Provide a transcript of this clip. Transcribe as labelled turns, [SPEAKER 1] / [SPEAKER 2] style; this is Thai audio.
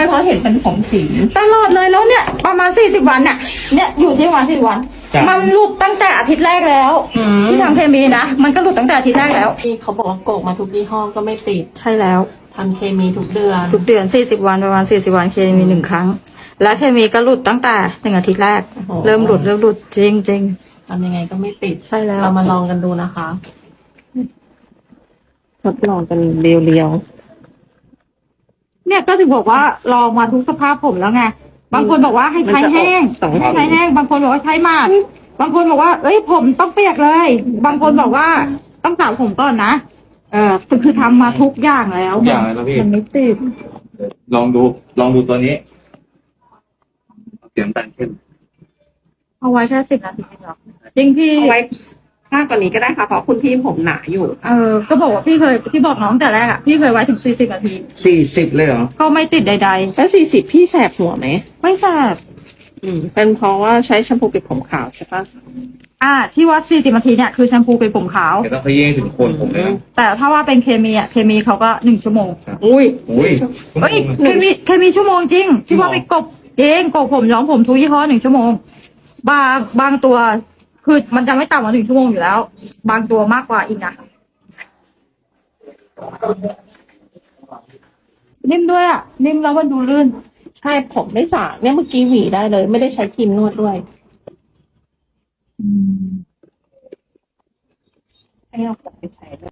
[SPEAKER 1] ช่เพราะเห็นเป็นผมสี
[SPEAKER 2] ตลอดเลยแล้วเนี่ยประมาณ40 วันเนี่ยอยู่ที่ประมาณ40 วันมันหลุดตั้งแต่อาทิตย์แรกแล้วที่ทำเคมีนะมันก็หลุดตั้งแต่อาทิตย์แรกแล้ว
[SPEAKER 1] ที่เขาบอกว่าโกกมาทุกยี่ห้อก็ไม่ติด
[SPEAKER 2] ใช่แล้ว
[SPEAKER 1] ทำเคมีทุกเดือน
[SPEAKER 2] 40 วันประมาณ40 วันเคมี1 ครั้งและเคมีก็หลุดตั้งแต่1 อาทิตย์แรกเริ่มหลุดจริง
[SPEAKER 1] ทำยังไงก็ไม่ติด
[SPEAKER 2] ใช่แล้ว
[SPEAKER 1] เรามาลองกันดูนะคะทดลองกันเรียว
[SPEAKER 2] เนี่ยก็ถึงบอกว่าลองมาทุกสภาพผมแล้วไงบางคนบอกว่าให้ใช้แห้งให้ใช้แห้งบางคนบอกว่าใช้หมาดบางคนบอกว่าเอ้ยผมต้องเปียกเลย บางคนบอกว่าต้องสระผมก่อนนะคือทำมาทุกอย่างแล้ว
[SPEAKER 3] ทุกอย่างเลยนะพี่
[SPEAKER 2] มันไม่ติด
[SPEAKER 3] ลองดูตัวนี้เสียงดังขึ้น
[SPEAKER 2] เอาไว้แค่10 นาทีหรอจริงพี่
[SPEAKER 1] ๆเอาไว้มากกว่านี้ก็ได้ค่ะเพราะคุณพี่ผมหนาอยู่
[SPEAKER 2] ก็บอกว่าพี่เคยที่บอกน้องแต่แรกอ่ะพี่เคยไว้ถึง40 นาที
[SPEAKER 3] 40เลยเหรอ
[SPEAKER 2] ก็ไม่ติดใด
[SPEAKER 1] แล้ว40พี่แสบหัวไหม
[SPEAKER 2] ๆไม่แสบ
[SPEAKER 1] เป็นเพราะว่าใช้แชมพูปิดผมขาวใช่ปะ
[SPEAKER 2] ที่วัด40 นาทีเนี่ยคือแชมพูเป็นผมขาว
[SPEAKER 3] เดี๋ยวต้องขยี้ให้ถึงโคนผมเลยนะ
[SPEAKER 2] แต่ถ้าว่าเป็นเคมีเคมีเขาก็1 ชั่วโมง
[SPEAKER 1] อุ้ย
[SPEAKER 3] อุ้ย
[SPEAKER 2] เฮ้ยเคมีชั่วโมงจริงที่ว่าไปกบเองกบผมย้อมผมทุกยี่ห้อ1 ชั่วโมงบางตัวคือมันจะไม่ต่ำกว่า1 ชั่วโมงอยู่แล้ว บางตัวมากกว่าอีกนะนิ่มด้วยนิ่มแล้วมันดูลื่น
[SPEAKER 1] ใช่ผมไม่สระเนี่ยเมื่อกี้หวีได้เลย ไม่ได้ใช้ครีมนวดด้วยให้เอาผมไปใช้ด้วย